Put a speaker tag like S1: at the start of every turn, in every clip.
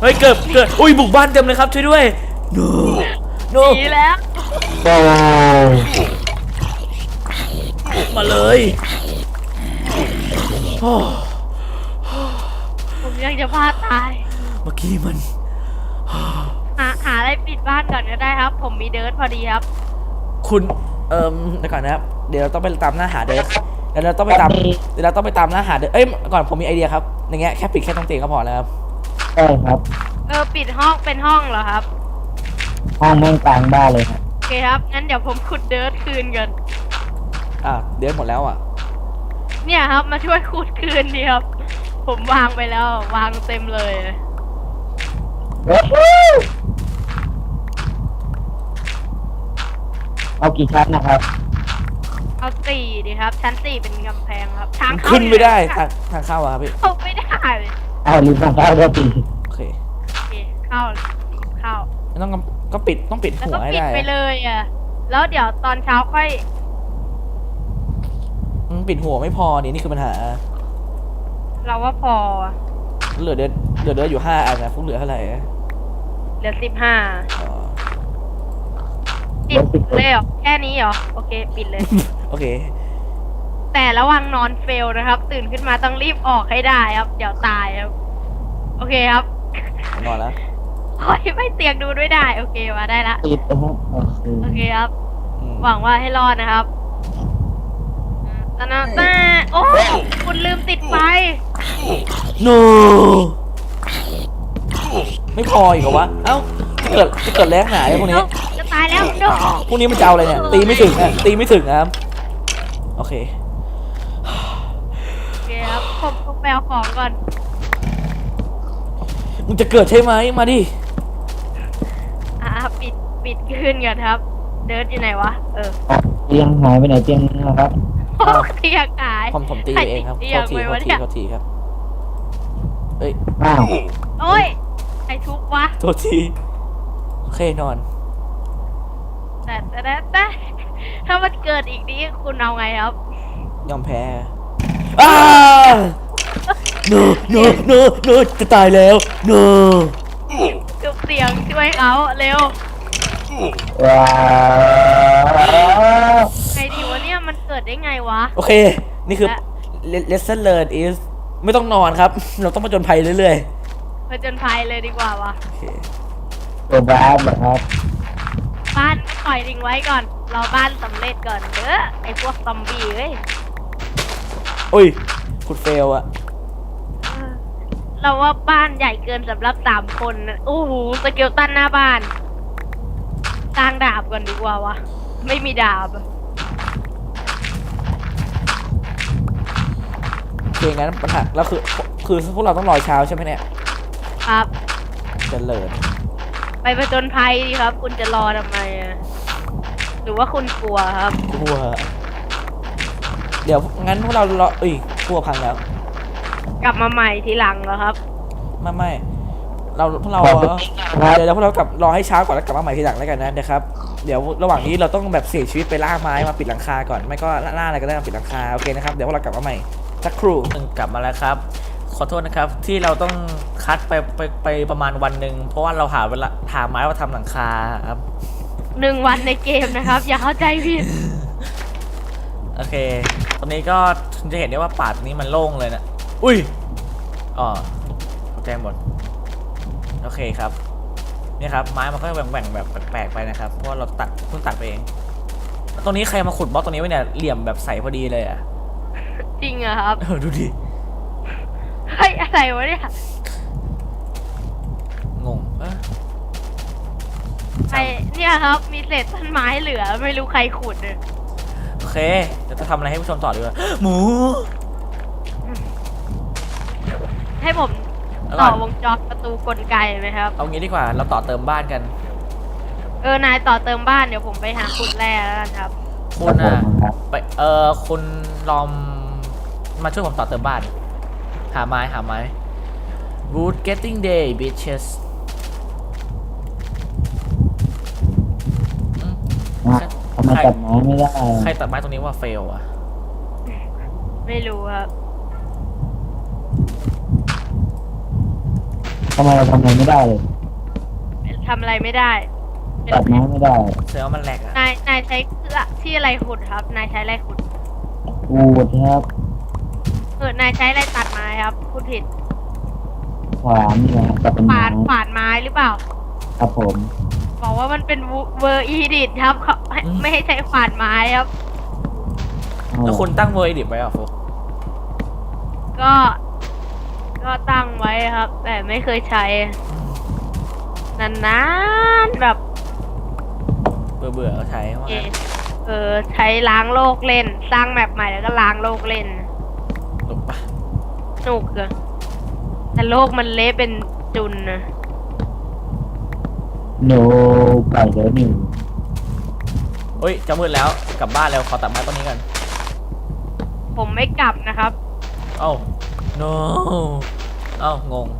S1: เฮ้ยเกิดอุ้ยบุกบ้านเต็มเลยครับช่วยด้วย no
S2: ดีแล้ว
S3: โอ้
S1: มาเลยโอ้
S2: ผมยังจะพลาดตาย
S1: เมื่อกี้มัน
S2: หาอะไรปิดบ้านก่อนก็ได้ครับ ผมมีเดิร์ทพอดีครับ
S1: คุณเดี๋ยวก่อนนะครับเดี๋ยวเราต้องไปตามหน้าหาเดิร์เดี๋ยวเราต้องไปตามหน้าหาเดิร์เอ้ยก่อนผมมีไอเดียครับอย่างเงี้ยแค่ปิดแค่ตรงเตียงก็พอแล้วครับ
S3: ใช่ครับ
S2: ปิดห้องเป็นห้องเหรอครับ
S3: ห้องแม่งกลางบ้านเลยครับ
S2: โอเคครับ งั้นเดี๋ยวผมขุดเดิร์ทคืนกัน
S1: เดิร์หมดแล้วอ่ะ
S2: เนี่ยครับ มาช่วยขุดคืนดีครับ ผมวางไปแล้ววางเต็มเลย
S3: เอากี่ชั้นนะครับ
S2: เอาสี่ดีครับ ชั้นสี่เป็นกำแพงครับ ทางเข้า
S1: ขึ้นไม่ได้ทางเข้าอะครับพี่
S2: เข้าไม่ได้
S3: เอาลืมทางเข้าด้วยปี
S1: โอเค
S2: โอเคเข้า
S1: ไม่ต้องก็ต้องปิด
S2: แล้ว
S1: หัว
S2: ก็
S1: ให้
S2: ปิด
S1: ได้
S2: ไปเลยอ่ะ แล้วเดี๋ยวตอนเช้าค่อย
S1: ปิดหัวไม่พอนี่คือปัญหา
S2: เราว่าพอ
S1: เหลือเดืออยู่5 อันนะฟุกเหลือเท่าไหร่
S2: เหลือ15
S1: อ๋อ
S2: ปิดเลยเหรอแค่นี้เหรอ โอเค ปิดเลย
S1: โอเค
S2: แต่ระวังนอนเฟลนะครับ ตื่นขึ้นมาต้องรีบออกให้ได้ครับ เดี๋ยวตายครับ โอเคครับ
S1: นอนแล้ว
S2: โอ้ยไม่เตียงดูด้วยได้ โอเคมาได้ละ
S3: ปิดนะครับ
S2: โอเคครับ
S1: อืม
S2: หวังว่าให้รอดนะครับแต่โอ้คุณลืมติดไฟ
S1: no ไม่พออีกเหรอวะเอ้าจะเกิดแรงหนาไอ้พวกนี้
S2: จะตายแล้วโน
S1: พวกนี้มันจะเอาอะไรเนี่ยตีไม่ถึงครับโอเค
S2: โอเคครับผมไปเอาของก่อน
S1: มึงจะเกิดใช่ไหมมาดิ
S2: ปิดขึ้นก่อนครับ เดินอยู่ไหนวะ
S3: เตียงหายไปไหนเตียงนะครับ
S2: เตียงหาย
S1: ผมตีเองครับ
S2: เตียงไปวะเนี่ย
S1: โทษทีครับเอ้ย
S3: อ้าว
S2: โอ้ยใครทุบวะ
S1: โทษทีโอเคนอน
S2: แต่ถ้ามันเกิดอีกนี้คุณเอาไงครับ
S1: ยอมแพ้no จะตายแล้ว no
S2: จุบเสียงช่วยเขาเร็ว
S3: ว้าว
S2: ไงดีวะเนี่ยมันเกิดได้ไงวะ
S1: โอเค นี่คือ lesson learned is ไม่ต้องนอนครับ เราต้องผจญภัยเรื่อย
S2: ผจญภัยเลยดีกว่าวะ
S1: ๆโอเค
S3: ตัวบ้านนะครับ
S2: บ้านปล่อยทิ้งไว้ก่อนรอบ้านสำเร็จก่อนเด้อไอพวกซอมบี้เว้ย
S1: อุ้ยขุดเฟลอะ
S2: เราว่าบ้านใหญ่เกินสำหรับ3 คนนะโอ้โหสเกลตันหน้าบ้านสร้างดาบก่อนดีกว่าวะไม่มีดาบอะ
S1: โอเคงั้นปัญหาแล้วคือพวกเราต้องรอเช้าใช่ไหมเนี่ย
S2: ครับ
S1: จะเลิศ
S2: ไปผจญภัยดีครับ คุณจะรอทำไมอะหรือว่าคุณกลัวครับ
S1: กลัวเดี๋ยวงั้นพวกเรารอกลัวพังแล้ว
S2: กลับมาใหม่ทีหลังเหรอครับ
S1: ไม่พวกเรา
S3: บอกไปครับ
S1: เดี๋ยวพวกเรากลับรอให้เช้าก่อนแล้วกลับมาใหม่ทีหลังแล้วกันนะนะครับเดี๋ยวระหว่างนี้เราต้องแบบเสี่ยงชีวิตไปล่าไม้มาปิดหลังคาก่อนไม่ก็ล่าอะไรก็ได้มาปิดหลังคาโอเคนะครับเดี๋ยวพวกเรากลับมาใหม่สักครู่กลับมาแล้วครับขอโทษนะครับที่เราต้องคัดไปประมาณวันหนึ่งเพราะว่าเราหาไม้มาทำหลังคาครับ
S2: 1 วันในเกมนะครับ อย่าเข้าใจผิด
S1: โอเคตรงนี้ก็จะเห็นได้ว่าป่าตรงนี้มันโล่งเลยนะอุ้ยอ๋อแจ้งหมดโอเคครับนี่ครับไม้มันก็แบ่งแบบแปลกๆไปนะครับเพราะว่าเราเพิ่งตัดไปเองตรงนี้ใครมาขุดบล็อกตรงนี้ไว้เนี่ยเหลี่ยมแบบใสพอดีเลยอ่ะ
S2: จริงเหรอครับ
S1: ดูดิ
S2: เฮ้ยอะไรวะเนี่ย
S1: งง
S2: ไอเนี่ยครับ มีเศษต้นไม้เหลือ ไม่รู้ใครขุดเลย
S1: โอเคจะทำอะไรให้ผู้ชมต่อดีกว่าหมู
S2: ให้ผม
S1: แล้วก่
S2: ต่
S1: อ
S2: อน วงจรประตูกลไกไหมครับ
S1: เอางี้ดีกว่าเราต่อเติมบ้านกัน
S2: นายต่อเติมบ้านเดี๋ยวผมไปหาขุดแร่แล้วกันครับ
S1: คุณอ่ะ
S3: ครับ
S1: ไปคุณลองมาช่วยผมต่อเติมบ้านหาไม้ Wood getting day bitches
S3: ทำไมตัดไม้ไม่ได้
S1: ใครตัดไม้ตรงนี้ว่าเฟลอ่ะ
S2: ไม่รู้ครับ
S3: ทำไมเราทำอะไรไม่ได้เลย
S2: ทำอะไรไม่ได้
S3: ตัดไม้ไม่ได้
S1: เสือว่ามันแหลกอะ
S2: นายใช้เครื่องที่อะไรขุดครับ นายใช้อะไรขุด
S3: อูดครับ
S2: นายใช้อะไรตัดไม้ครับพูดผิด
S3: ขวานนี่นะครับตัดเป็น
S2: ข
S3: ไม้
S2: วานไม้หรือเปล่า
S3: ครับผม
S2: บอกว่ามันเป็นเวอร์อีดิทครับเขาไม่ให้ใช้ขวานไม้ครับ
S1: แล้วคุณตั้งเวอร์ดิบไว้เหรอฟุก
S2: ก็ ก็ตั้งไว้ครับ แต่ไม่เคยใช้นานๆแบบ
S1: เบื่อก็ใช้ว่า
S2: ใช้ล้างโลกเล่น สร้างแมปใหม่แล้วก็ล้างโลกเล่น
S1: หลบปะ
S2: สนุกอะแต่โลกมันเละเป็นจุนนะ
S3: โนไก่เดี๋ยวหนึ่ง
S1: เฮ้ยจะมืดแล้วกลับบ้านแล้วขอตัดไม้ต้นนี้กัน
S2: ผมไม่กลับนะครับ
S1: เอ้า no เอ้างง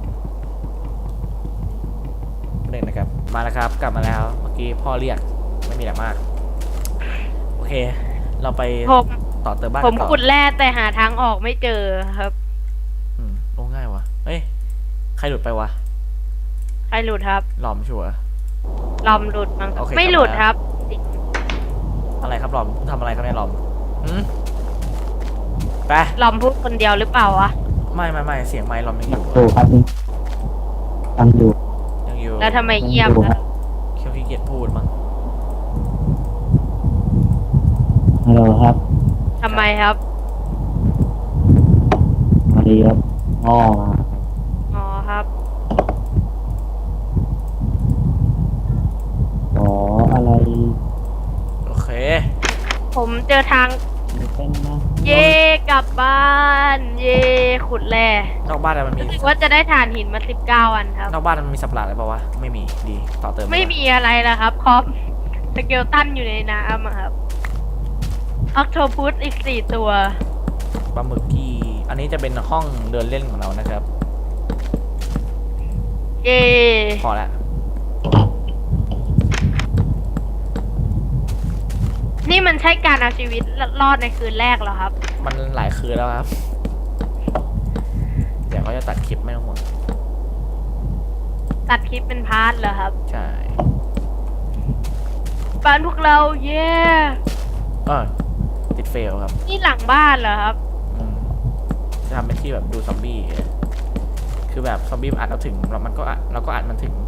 S1: หนึ่งนะครับมาแล้วครับกลับมาแล้วเมื่อกี้พ่อเรียกไม่มีอะไรมากโอเค เราไป
S2: ผม
S1: ต่อเติมบ้าน
S2: ผ
S1: กั
S2: ม
S1: นต่อ
S2: ขุดแร่แต่หาทางออกไม่เจอครับ
S1: ลงง่ายวะเฮ้ยใครหลุดไปวะ
S2: ใครหลุดครับ
S1: หลอมชัวร์
S2: ลอมหลุดมั้งครับ
S1: โอเค
S2: ไม่หลุด
S1: กลับมา
S2: ครับ
S1: อะไรครับหลอมทำอะไรครับเนี่ยหลอมไป
S2: ลอมพูดคนเดียวหรือเปล่าวะ
S1: ไม่เสียงไมค์หลอมยังอยู่
S3: ดูครับนี่ฟังดู
S1: ยังอยู่
S2: แล้วทำไมเงียบ
S3: ดูค
S2: ล่ะ
S3: รับ
S1: เคียวขี้เกียจพูดมั้ง
S3: ฮัลโหลครับ
S2: ทำไมครับ
S3: มาดีครับพ่อมา
S2: อ๋อครับ
S3: ขออะไร
S1: โอเค
S2: ผมเจอทาง
S3: เป็นนะ
S2: เย่กลับบ้าน เย่ขุดแร่
S1: นอกบ้านมันมี
S2: รู้สึกว่าจะได้ถ่านหินมา19 อันครับ
S1: นอกบ้านมันมีสับหลาดอะไรเปล่าวะไม่มีดีต่อเติม
S2: ไม่มีอะไรแล้วครับคอมสเกลตันอยู่ในน้ำอะครับออกโทพุสอีก4 ตัว
S1: ปลาหมึกกี้อันนี้จะเป็นห้องเดินเล่นของเรานะครับ
S2: เย่
S1: พอละ
S2: นี่มันใช่การเอาชีวิตรอดในคืนแรกเหรอครับ
S1: มันหลายคืนแล้วครับ เดี๋ยวเขาจะตัดคลิปไม่ต้องห่วง
S2: ตัดคลิปเป็นพาร์ทเหรอครับ
S1: ใช่
S2: บ้านพวกเรา เย่
S1: ติดเฟลครับ
S2: นี่หลังบ้านเหรอครับ
S1: จะทำเป็นที่แบบดูซอมบี้คือแบบซอมบี้มันอัดเราถึงแล้วมันก็อัดเราก็อัดมันถึง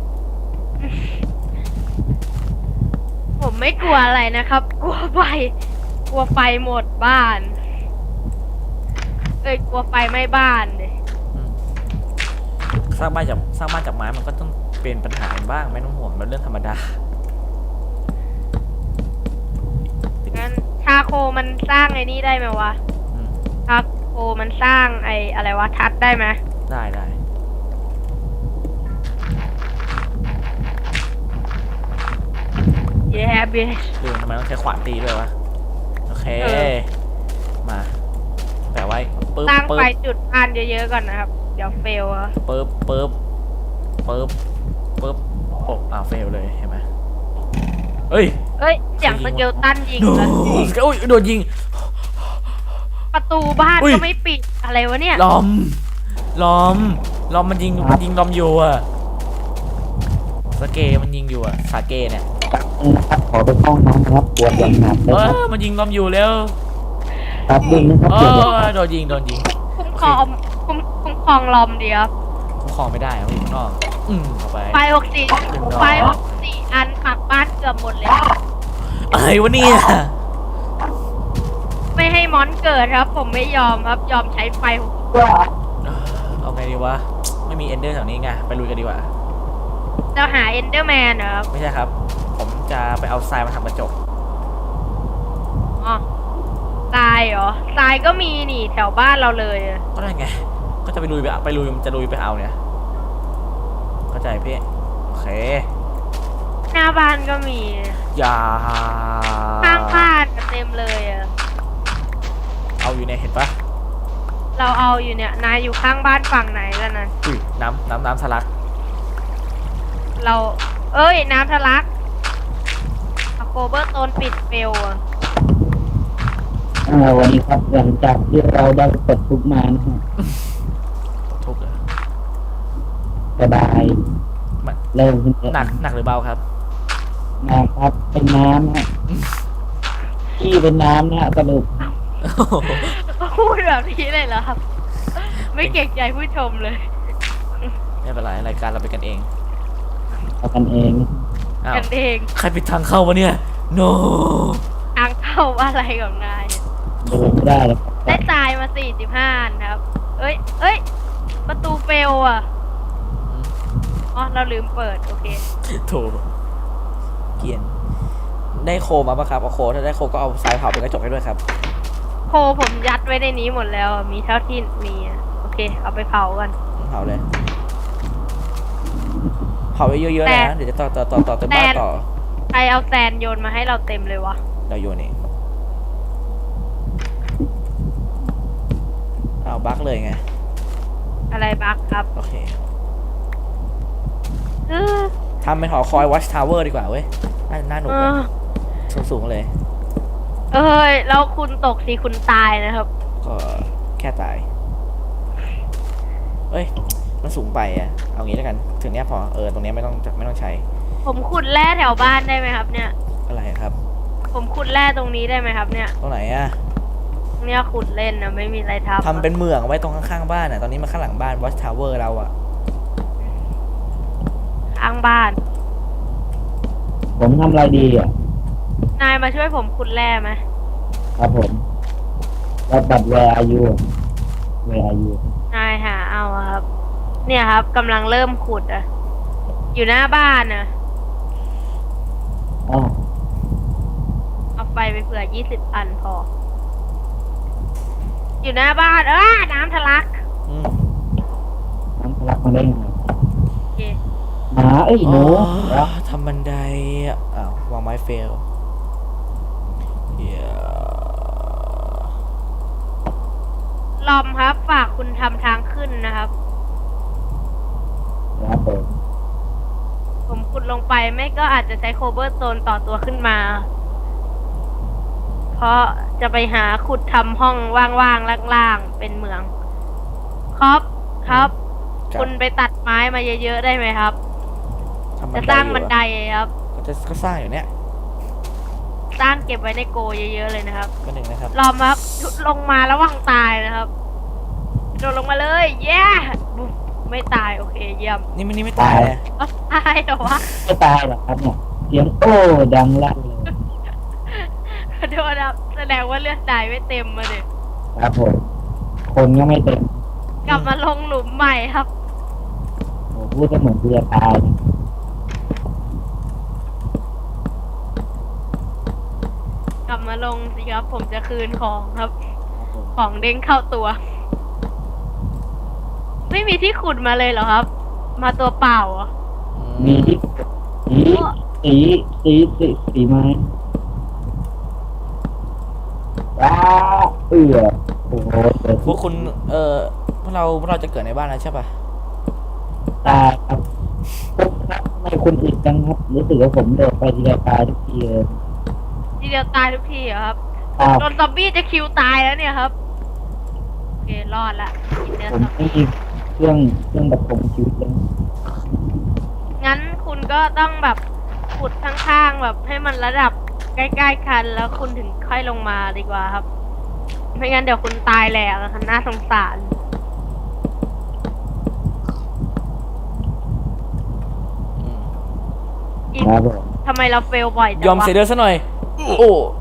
S2: ผมไม่กลัวอะไรนะครับ กลัวไฟ กลัวไฟหมดบ้าน กลัวไฟไหม้บ้านเลย
S1: สร้างบ้านจากไม้มันก็ต้องเป็นปัญหาบ้างไม่ต้องห่วงมันเรื่องธรรมดา
S2: งั้นชาโคมันสร้างไอ้นี่ได้ไหมวะ
S1: อืม
S2: ชาโคมันสร้างไอ้อะไรวะทัดได้ไหม
S1: ได้
S2: เย้เบส
S1: ดูทำไมต้องใช้ขวานตีด้วยวะโอเค มาแปะไว้ปึ๊บ
S2: สร้าง
S1: ปึ๊
S2: ไฟ
S1: บ
S2: จุดพันเยอะๆก่อนนะครับ เดี๋ยวเฟลอะ
S1: ปึ๊บโอ้าวเฟลเลยเห็นไหมเอ้ย
S2: เสียงสเกลตันยิง
S1: โด
S2: แล้ว
S1: โดนยิง
S2: ประตูบ้าน
S1: อุ้ย
S2: ก็ไม่ปิดอะไรวะเนี่ย
S1: ล้อมมันยิงล้อมอยู่อะสเกมันยิงอยู่อะสาเกเนี่ย
S3: นะครับขอไปห้องน้ำครับปวดอย่างหนักเลยครับ
S1: มันยิงล้อมอยู่แล้ว
S3: ครับดึงนะครับปวดอย่างหนัก
S1: โดนยิง
S2: คุ้มครองคุ้มครองลอมเดียว
S1: คุ้มครองไม่ได้ครับพี่ข้างนอกเอาไป
S2: ไฟ64 อันปักบ้านเกือบหมดเลย
S1: อะไรวะเนี่ย
S2: ไม่ให้มอนเกิดครับ ผมไม่ยอมครับ ยอมใช้ไฟ
S1: เอาไงดีวะไม่มีเอนเดอร์แถวนี้ไงไปลุยกันดีกว่า
S2: จะหาเอนเดอร์แมนเหรอครับ
S1: ไม่ใช่ครับ ผมจะไปเอาทรายมาทำกระจก
S2: อ๋อทรายเหรอทรายก็มีนี่แถวบ้านเราเลยอะ
S1: ก็ได้ไง ก็จะไปลุยจะลุยไปเอาเนี่ยเข้าใจพี่โอเค
S2: หน้าบ้านก็มี
S1: อย่า
S2: ข้างบ้านเต็มเลยอะ
S1: เอาอยู่ในเห็นปะ
S2: เราเอาอยู่เนี่ย นายอยู่ข้างบ้านฝั่งไหนแล้วนั้น
S1: อุ้ยน้ำทะลัก
S2: เราน้ำทะลักโคเบอร์โตนปิดเฟลอะ
S3: วันนี้ครับหลังจากที่เราได้กดทุกมานะฮะ
S1: ทุบเลย
S3: แต่บาย
S1: มัน
S3: เร็วขึ้นเยอะ
S1: หนักหรือเบาครับ
S3: นะครับเป็นน้ำฮะที่เป็นน้ำเนี่ยสรุป
S2: พูดแบบนี้เลยเหรอครับ ไม่เก่งใจผู้ชมเลย
S1: ไม่เป็นไรรายการเราเป็นกันเอง
S3: เอากันเอง
S1: อ้าว
S2: กันเอง
S1: ใครปิดทางเข้าวะเนี่ย no
S2: ทางเข้าอะไรของนาย
S3: ดูไม่ได้แล้ว
S2: ได้ตายมา45อันครับ เอ้ย ประตูเฟลอ่ะ อ๋อ เราลืมเปิด โอเค
S1: โถเกรียนได้โคมาปะครับเอาโคถ้าได้โคก็เอาทรายเผาเป็นกระจกให้ด้วยครับ
S2: โคผมยัดไว้ในนี้หมดแล้วอะมีเท่าที่มีอะโอเค เอาไปเผากัน
S1: เผาเลยเผาเยอะๆเลยนะเดี๋ยวจะต่อเต็มบ้านต่อ
S2: ใครเอาแซนโยนมาให้เราเต็มเลยวะ
S1: เราโยนเองเอาบั๊กเลยไง
S2: อะไรบักครับ
S1: โอเค
S2: เออ
S1: ทำเป็นหอคอย Watch Tower ดีกว่าเว้ยน่าหนุก
S2: เอ
S1: เลย
S2: อ
S1: สูงๆเลย
S2: เอ้ย แล้วคุณตกสิคุณตายนะครับ
S1: ก็แค่ตายเอ้ยมันสูงไปอ่ะเอางี้แล้วกันถึงเนี้ยพอตรงเนี้ยไม่ต้องใช้
S2: ผมขุดแร่แถวบ้านได้ไหมครับ เนี่ย
S1: อะไรครับ
S2: ผมขุดแร่ตรงนี้ได้ไหมครับ เนี่ย
S1: ตรงไหนอ่ะ
S2: เนี่ยขุดเล่นนะไม่มีอะไรทำ
S1: ทำเป็นเหมืองไว้ตรงข้างๆบ้านอ่ะตอนนี้มันข้างหลังบ้าน Watch Tower เราอ่ะ
S2: ข้างบ้าน
S3: ผมทำอะไรดีอ่ะ
S2: นายมาช่วยผมขุดแร่ไหม
S3: ครับผมแล้วบัตรแวร์อายุแวร์อายุ
S2: นายหาเอาอะครับ เนี่ยครับกำลังเริ่มขุดอะอยู่หน้าบ้านนะ
S3: อ๋อ
S2: เอาไฟไปเผื่อ20 อันพอ อยู่หน้าบ้านน้ำทะลัก
S1: อืม
S3: น้ำทะลักมาได้ไง
S2: โอเค
S3: หมาเอ้ยหนู
S1: อ๋อ
S3: แล้ว
S1: ทำบันไดอ่ะอ้าววางไม้เฟลเหี้ย
S2: ลอมครับ ฝากคุณทำทางขึ้นนะครับ
S3: ครับผม
S2: ผมขุดลงไปไม่ก็อาจจะใช้โคเบอร์สโตนต่อตัวขึ้นมา เพราะจะไปหาขุดทำห้องว่างๆล่างๆเป็นเมืองครับ
S1: ครับ
S2: คุณไปตัดไม้มาเยอะๆได้ไหมครับ
S1: ทำ
S2: จะสร้างบันได
S1: อยู่
S2: ครับ
S1: ก็สร้างอยู่เนี่ย
S2: สร้างเก็บไว้ในโกเยอะๆเลยนะครับ
S1: ก็หนึ่งนะครับ
S2: รอมครับลงมาระวังตายนะครับโดดลงมาเลยแย่บุ๊บไม่ตายโอเคเยี่ยม
S1: นี่ไม่ตายเลย
S2: เอ้าตายเหรอวะ
S3: ไม่ตายหรอกครับเนี่ยเสียงโอ้ดังลั่นเลย
S2: ขอโทษครับแสดงว่าเลือดตายไม่เต็มมาเลย
S3: ครับผมคนก็ไม่เต็ม
S2: กลับมาลงหลุมใหม่ครับ
S3: โอ้พูดก็เหมือนกูจะตายนะ
S2: กลับมาลงสิครับ ผมจะคืนของครับ
S3: ครับผม
S2: ของเด้งเข้าตัว ไม่มีที่ขุดมาเลยเหรอครับ มาตัวเปล่าเหรอ
S3: มีที่สีไม้ว้าเอือโอ้โหเกิด
S1: พวกคุณพวกเราจะเกิดในบ้านแล้วใช่ปะ
S3: ตายครับทำไมคุณอึดจังครับรู้สึกว่าผมโดดไปทีละตายทุกทีเลย
S2: ทีเดียวตายทุกทีเหรอครับ
S3: อ้าว
S2: โดนซอมบี้จะคิวตายแล้วเนี่ยครับ โอเค รอดละกินเนื้อ
S3: ผม
S2: ซอม
S3: ไม่
S2: บี้
S3: มีเครื่องประคองชีวิตเลย
S2: งั้นคุณก็ต้องแบบขุดข้างๆแบบให้มันระดับใกล้ๆกัน แล้วคุณถึงค่อยลงมาดีกว่าครับ ไม่งั้นเดี๋ยวคุณตายแหลกอะค่ะน่าสงสาร
S1: อืม
S2: อีก
S3: ครับผม
S2: ทำไมเราเฟลบ่อยจัง
S1: ยอม
S2: วะ
S1: เสียเลือดซะหน่อย โอ้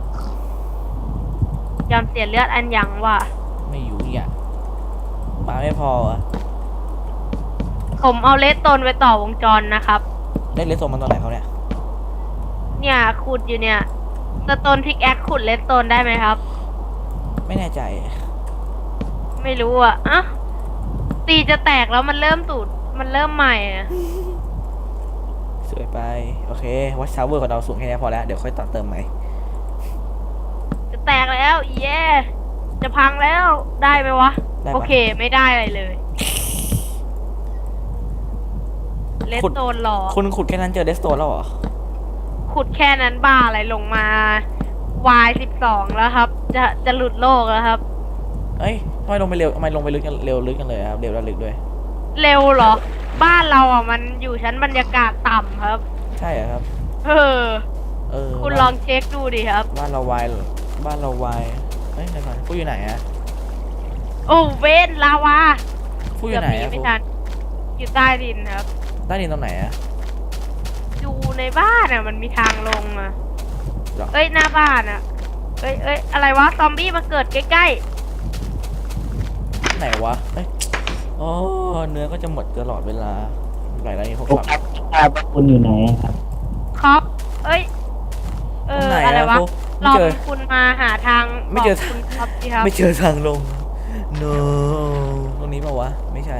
S2: ยอมเสียเลือดอันยังวะ
S1: ไม่อยู่อีกอ่ะมาไม่พออ่ะ
S2: ผมเอาเลสโตนไปต่อวงจรนะครับ
S1: ได้เลสโซมันตอนไหนเขาเนี่ย
S2: เนี่ยขุดอยู่เนี่ยสโตนพิกแอคขุดเลสโตนได้ไหมครับ
S1: ไม่แน่ใจ
S2: ไม่รู้อ่ะอ่ะตีจะแตกแล้วมันเริ่มตูดมันเริ่มใหม่อะ
S1: สวยไป โอเค วัชชาวเวอร์ของเราสูงแค่นี้พอแล้ว เดี๋ยวค่อยต่อเติมใหม่
S2: จะแตกแล้วเย้จะพังแล้วได้ไหมวะ
S1: ได้ปะ
S2: โอเคไม่ได้อะไรเลยเลส
S1: ขุด
S2: โตนหรอ
S1: คุณขุดแค่นั้นเจอเลสโตนแล้วเหรอ
S2: ขุดแค่นั้นบ้าอะไรลงมา Y12 แล้วครับ จะหลุดโลกแล้วครับ
S1: เอ้ยทำไมลงไปเร็วทำไมลงไปลึกกันเร็วลึกกันเลยครับ เร็วและลึกด้วย
S2: เร็วเหรอบ้านเราอ่ะมันอยู่ชั้นบรรยากาศต่ำครับ
S1: ใช่เหรอครับ
S2: เออ
S1: เออ
S2: คุณลองเช็คดูดิครับ
S1: บ้านเราวายเหรอบ้านเราวายเอ้ยเดี๋ยวก่อนฟูอยู่ไหนอะ
S2: โอ้เวนลาวา
S1: ฟูอ
S2: เกือยู่ บ
S1: ไหน
S2: หนี
S1: อะ
S2: ไม่
S1: ฟู
S2: ทันอยู่ใต้ดินครับ
S1: ใต้ดินตรงไหนอะ
S2: อยู่ในบ้านอ่ะมันมีทางลงอ่ะ
S1: หรอ
S2: เอ้ยหน้าบ้านอ่ะ เอ้ยอะไรวะซอมบี้มาเกิดใกล้
S1: ไหนวะเอ้ยอ๋อเนื้อก็จะหมดตลอดเวลาไหนแล้วนี่พวก
S3: ผม
S1: สับ
S3: ทราบว่าคุณอยู่ไหนครับ
S2: ๆครับเอ้ย
S1: ตรงไหน
S2: อะไร
S1: อะ
S2: วะ
S1: ฟู
S2: ล
S1: ไม่
S2: อง
S1: เจอ
S2: คุณมาหาทาง
S1: ไม่เจอ
S2: บกคุณครับสิครับ
S1: ไม่เจอทางลง no ตรงนี้เปล่าวะไม่ใช่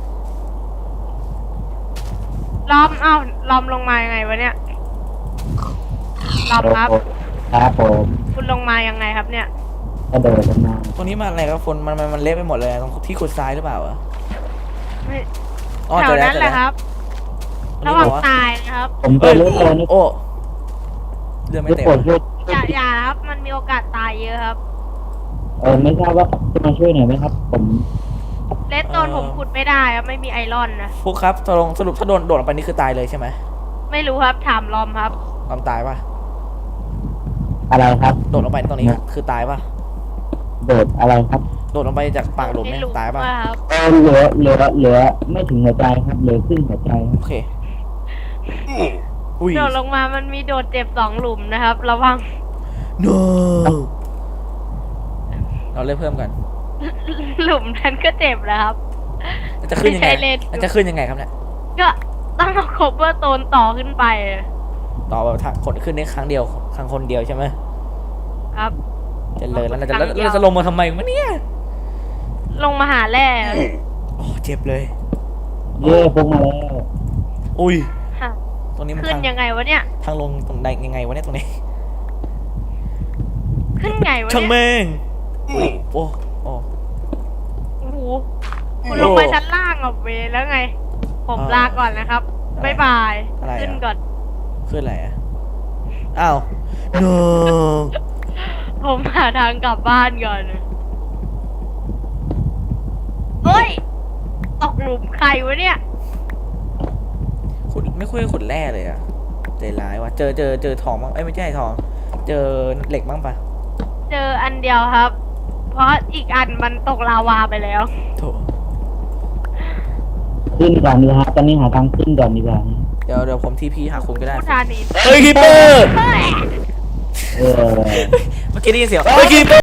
S2: ล้อมเอ้าล้อมลงมายังไงวะเนี่ยล้อมครับ
S3: ครับผม
S2: คุณลงมายังไงครับเนี่ย
S3: กระโดดลงมา
S1: ตรงนี้มันอะไรครับฝนมันเละไปหมดเลยตรงที่ขุดทรายหรือเปล่าอะ
S2: ไม่
S1: อ๋อ
S2: แถ
S1: เจ
S2: ว
S1: อแล้ว
S2: นั้น
S1: เจอ
S2: แห
S1: แล้
S2: ละ
S1: ว
S2: ครับ
S1: ตรง
S2: ระ
S1: นี้
S2: หว่าง
S1: บอกว่า
S2: ตายนะครับ
S3: ผมจะรู้ตัวนี่
S1: โอ้เรือไม่
S3: จะ
S1: เต็ม
S3: ปวดช่วย
S2: อย่าครับ มันมีโอกาสตายเยอะครับ
S3: ไม่ทราบว่าจะมาช่วยหน่อยไหมครับ ผม
S2: เลสโตนผมขุดไม่ได้ครับไม่มีไอรอนนะ
S1: ฟุกครับสรุปถ้าโดนโดดลงไปนี่คือตายเลยใช่ไหม
S2: ไม่รู้ครับถามลอมครับ
S1: ความตายปะ
S3: อะไรครับ
S1: โดดลงไปตรงนี้คือตายปะ
S3: โดดอะไรครับ
S1: โดดลงไปจากปากหลุมเนี่ย
S2: ไม่รู้
S1: ตายปะ
S2: ว่าครับ
S3: เหลือไม่ถึงหัวใจครับเหลือครึ่งหัวใจครับ
S1: โอเคอุ้ย
S2: โดดลงมามันมีโดดเจ็บ2 หลุมนะครับ ระวัง
S1: no เราเล่นเพิ่มกัน
S2: หลุมนั้นก็เจ็บแล้วครับ
S1: มันจะขึ้นยังไง
S2: ไม่ใช่เล่น
S1: มันจะขึ้นยังไงครับเนี่ย
S2: ก็ต้องเอาโคเวอร์โตนต่อขึ้นไป
S1: ต่อแบบถ้าคนขึ้นได้ครั้งเดียวครั้งคนเดียวใช่ไหม
S2: ครับ
S1: เจะเลยแล้วเราจะ
S2: ครั้งเดียว
S1: เราจะลงมาทำไมวะเนี่ย
S2: ลงมาหาแร่
S1: โอ้เจ็บเลย
S3: เย่พงมาแล้ว
S1: อุ้ย
S2: ฮะ
S1: ตรงนี้มัน
S2: ขึ้น
S1: ทาง
S2: ยังไงวะเนี่ย
S1: ทางลงตรงใดยังไงวะเนี่ยตรงนี้
S2: ขึ้นไงวะ
S1: ช่าง
S2: เนี่ย
S1: แม่งโอ้โอ้
S2: โอ้โหคุณลงไปชั้นล่างอ่ะเวแล้วไง ผมลาก่อนนะครับ บ๊ายบาย
S1: อะไร
S2: ขึ้น
S1: อ่ะ
S2: ก่อน
S1: ขึ้นอะไรอ่ะอ้าว no
S2: ผมหาทางกลับบ้านก่อนเฮ้ย ตกหลุมใครวะเนี่ย
S1: ขุดไม่คุยขุดแร่เลยอ่ะใจร้ายว่ะเจอทองบ้างเอ้ยไม่ใช่ทอง เจอเหล็กบ้างปะ
S2: เจออันเดียวครับ เพราะอีกอันมันตกลาวาไปแล้ว
S1: โถ
S3: ขึ้นก่อนดีครับตอนนี้หาทางขึ้นก่อนดีกว่า
S1: เดี๋ยวผมทีพีหาคุณก็ได้
S2: ผู้ทานี
S1: เฮ้ยคีเปอร์
S2: เฮ้ย
S3: เออ
S1: เมื่อกี้ได้ยินเสียงเฮ้ยคีเปอร์